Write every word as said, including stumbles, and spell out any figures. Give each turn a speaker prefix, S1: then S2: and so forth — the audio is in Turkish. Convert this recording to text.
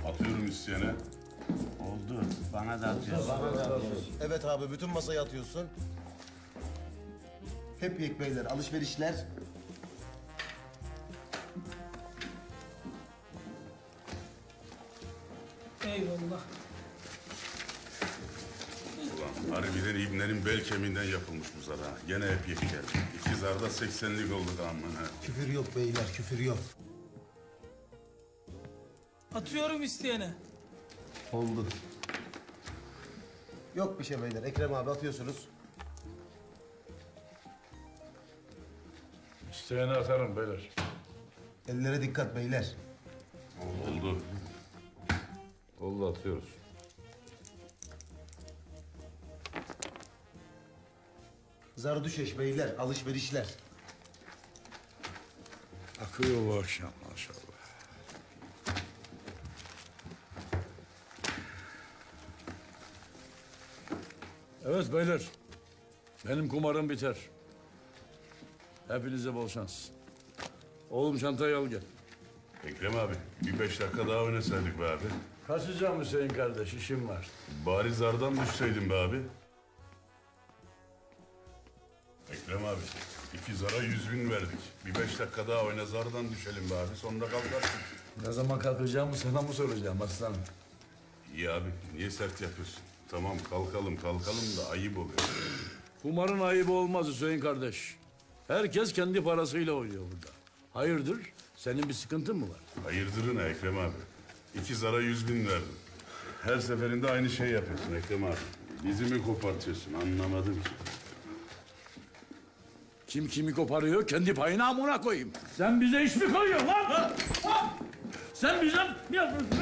S1: Atıyorum isteyene.
S2: Oldu. Bana da atıyorsun.
S3: Evet abi bütün masayı atıyorsun. Hep yek beyler alışverişler.
S4: Eyvallah.
S1: Ulan harbiden İbner'in bel kemiğinden yapılmış bu zar ha. Gene hep yek geldi. İki zarda seksenlik oldu aman ha.
S3: Küfür yok beyler küfür yok.
S4: Atıyorum isteyene.
S3: Oldu. Yok bir şey beyler. Ekrem abi atıyorsunuz.
S5: İsteyene atarım beyler.
S3: Ellere dikkat beyler.
S1: Oldu.
S5: Oldu atıyoruz.
S3: Zardüşeş beyler alışverişler.
S5: Akıyor bu akşam maşallah. Evet beyler. Benim kumarım biter. Hepinize bol şans. Oğlum çantayı al gel.
S1: Ekrem abi bir beş dakika daha oynasaydık be abi.
S5: Kaçacağım Hüseyin kardeş, işim var.
S1: Bari zardan düşseydin be abi. Ekrem abi iki zara yüz bin verdik. Bir beş dakika daha oyna zardan düşelim be abi. Sonra kalkarsın.
S5: Ne zaman kalkacağımı sana mı soracağım aslanım?
S1: İyi abi niye sert yapıyorsun? Tamam kalkalım kalkalım da ayıp oluyor.
S5: Kumarın ayıbı olmaz Hüseyin kardeş. Herkes kendi parasıyla oynuyor burada. Hayırdır? Senin bir sıkıntın mı var?
S1: Hayırdırın Ekrem abi. İki zara yüz bin verdim. Her seferinde aynı şey yapıyorsun Ekrem abi. Dizimi kopartıyorsun anlamadım ki.
S5: Kim kimi koparıyor kendi payına amına koyayım. Sen bize iş mi koyuyorsun lan? Ha? Ha? Sen bize ne yapıyorsun